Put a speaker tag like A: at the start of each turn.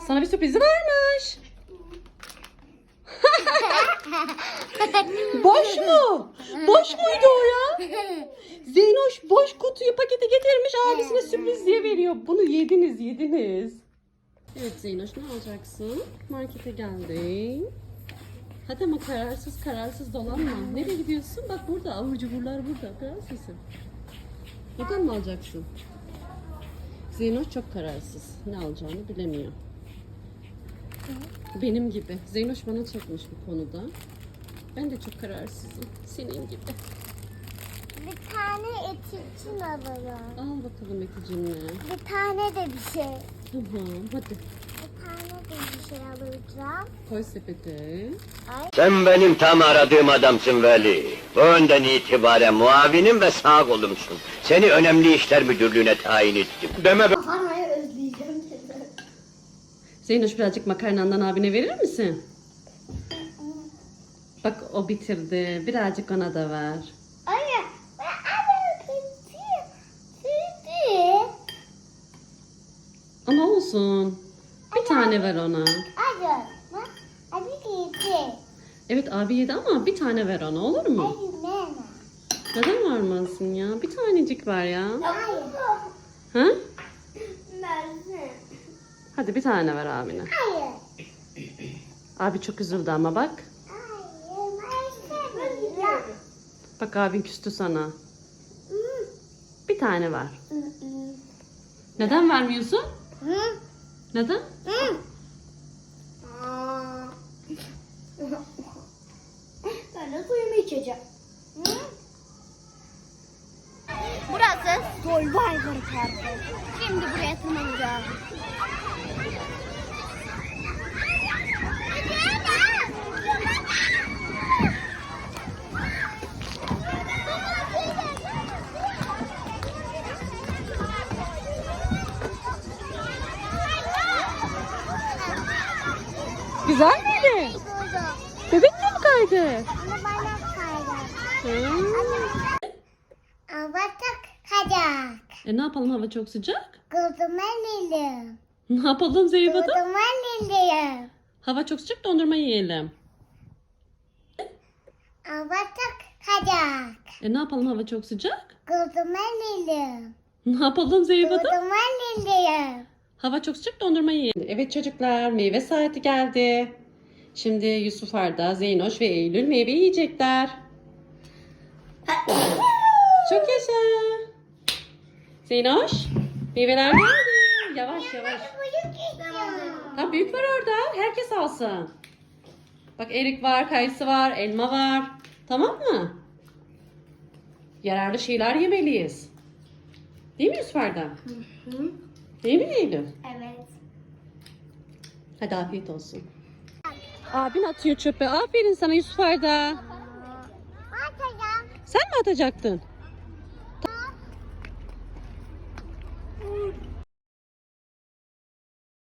A: Sana bir sürprizi varmış. Boş mu? Boş muydu o ya? Zeynoş boş kutuyu paketi getirmiş, abisine sürpriz diye veriyor. Bunu yediniz. Evet Zeynoş, ne alacaksın? Markete geldin. Hadi ama kararsız dolanma. Nereye gidiyorsun? Bak burada abur cuburlar burada. Biraz sesin. Buradan mı alacaksın? Zeynoş çok kararsız. Ne alacağını bilemiyor. Benim gibi. Zeynoş bana çekmiş bu konuda. Ben de çok kararsızım. Senin gibi.
B: Bir tane et için alalım.
A: Al bakalım Eticimle.
B: Bir tane de bir şey.
A: Tamam hadi.
B: Bir tane de bir şey alacağım.
A: Koy sepete.
C: Sen benim tam aradığım adamsın Veli. Bu önden itibaren muavinim ve sağ kolumsun. Seni önemli işler müdürlüğüne tayin ettim. Deme be.
B: Makarnayı özleyeceğim.
A: Zeynoş, birazcık makarnandan abine verir misin? Bak o bitirdi. Birazcık ona da ver.
B: Anne, ben alırım. Sütü.
A: Ama olsun. Bir tane ver ona.
B: Hadi. Hadi gitti.
A: Evet abi yedi ama bir tane ver ona, olur mu?
B: Hadi nene.
A: Neden vermezsin ya? Bir tanecik ver ya.
B: Hayır.
A: Ha?
B: Nerede?
A: Hadi bir tane ver abine.
B: Hayır.
A: Abi çok üzüldü ama bak.
B: Hayır. Ben istemiyorum.
A: Bak abin küstü sana. Bir tane ver. Neden vermiyorsun? Neden?
B: Ben de suyumu içeceğim. Burası Survivor Parkı. Şimdi buraya tırmanacağız.
A: Güzel miydi? Bebek de mi kaydı?
B: Ama bana kaydı. Avatak kacak.
A: Ne yapalım, hava çok sıcak?
B: Kızıma lilim.
A: Ne yapalım Zeyba'da?
B: Kızıma lilim.
A: Hava çok sıcak, dondurma yiyelim.
B: Avatak kacak.
A: Ne yapalım, hava çok sıcak?
B: Kızıma lilim.
A: Ne yapalım Zeyba'da?
B: Kızıma lilim.
A: Hava çok sıcak, dondurma yiyelim. Evet çocuklar, meyve saati geldi. Şimdi Yusuf Arda, Zeynoş ve Eylül meyve yiyecekler. Çok yaşa. Zeynoş, meyveler geldi. Yavaş yavaş.
B: Büyük istiyorum.
A: Tam büyük var orada. Herkes alsın. Bak erik var, kayısı var, elma var. Tamam mı? Yararlı şeyler yemeliyiz. Değil mi Yusuf Arda? Değil mi Eylül?
B: Evet.
A: Hadi afiyet olsun. Abin atıyor çöpe. Aferin sana Yusuf Arda.
B: Atacağım.
A: Sen mi atacaktın?